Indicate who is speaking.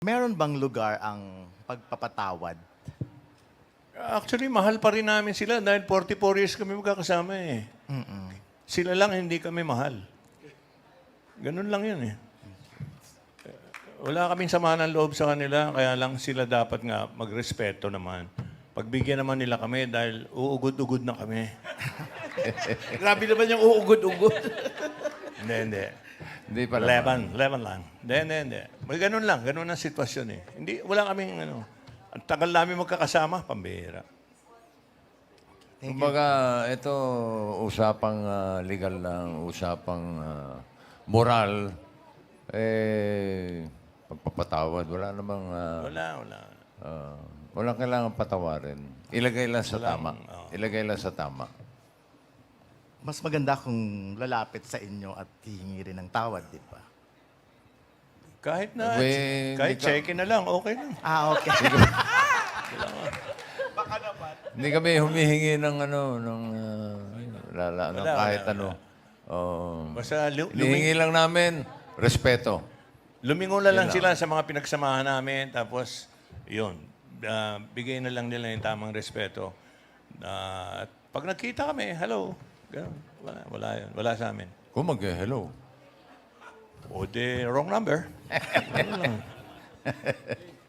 Speaker 1: Meron bang lugar ang pagpapatawad?
Speaker 2: Actually, mahal pa rin namin sila dahil 44 years kami magkakasama eh. Sila lang hindi kami mahal. Ganun lang yun eh. Wala kaming sama ng loob sa kanila, kaya lang sila dapat nga magrespeto naman. Pagbigyan naman nila kami dahil uugod-ugod na kami.
Speaker 3: Grabe naman yung uugod-ugod.
Speaker 2: Hindi.
Speaker 4: Hindi pala.
Speaker 2: Leban lang. Hindi. May ganun lang, ganun ang sitwasyon eh. Hindi, wala kaming ang tagal namin magkakasama, pambihira.
Speaker 4: Kumbaga, ito usapang legal lang, usapang moral, pagpapatawad. Wala namang...
Speaker 2: Wala.
Speaker 4: walang kailangan patawarin. Ilagay lang sa tama. Ilagay lang sa tama.
Speaker 1: Mas maganda kung lalapit sa inyo at hihingi rin ng tawad, di ba?
Speaker 2: Kahit na,
Speaker 4: Well,
Speaker 2: kahit
Speaker 4: hindi ka-
Speaker 2: check-in na lang, okay lang.
Speaker 1: Okay.
Speaker 4: Hindi kami humihingi ng
Speaker 2: Wala,
Speaker 4: kahit
Speaker 2: wala.
Speaker 4: ano.
Speaker 2: Basta
Speaker 4: Hinihingi lang namin, respeto.
Speaker 2: lumingon na lang sila sa mga pinagsamahan namin, tapos, yun, bigay na lang nila yung tamang respeto. At pag nagkita kami, hello. Ganun. Wala yun. Wala sa amin.
Speaker 4: Kung mag-hello.
Speaker 2: O de, wrong number. Ganun lang.